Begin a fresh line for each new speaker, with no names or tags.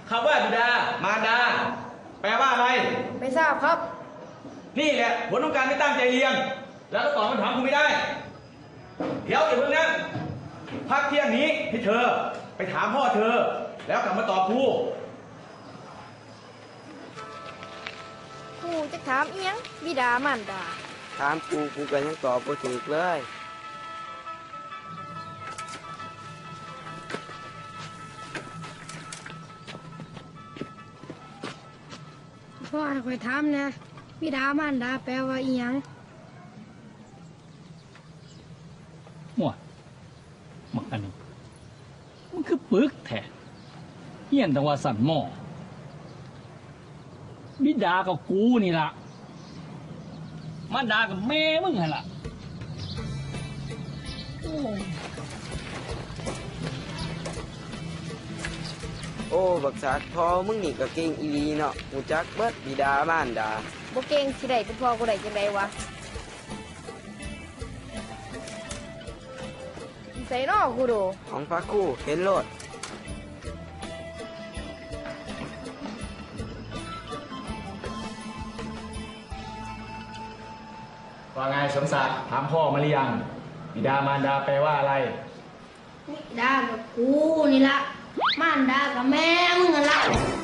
คำว่าบิดามารดาแปลว่าอะไร
ไม่ทราบครับ
นี่แหละผลของการไม่ตั้งใจเรียนแล้วก็ตอบคำถามคุณไม่ได้เดี๋ยวอย่าเพิ่งนะพักเที่ยงนี้ให้เธอไปถามพ่อเธอแล้วกลับมาตอบครู
ครูจะถามเอียงบิดามารดา
ถามกูก็ยังตอบบ่ถูกเลย
พ่อให้คอยถามนะบิดามารดาแปลว่าเอียง
มั่วมักอันนี้มันคือปึกแท้เฮียนแต่ว่าสั่นหม้อบิดากับกูนี่ล่ะมารดากับแม่มึงไงล่ะ
โอ้บักษาพอมึงนี่ก็เก่งอีหลีเนาะหูจักเบิดบิดามารดา
บ่เก่งสิได้เป็นพ่อกูได้จังไดวะใส่นอกูดู
ของพระครูเห็นโลด
ว่าไงสมศักดิ์ถามพ่อมาหรือยังบิดามารดาแปลว่าอะไร
บิดากับกูนี่ละมารดากับแม่มึงนั่นละ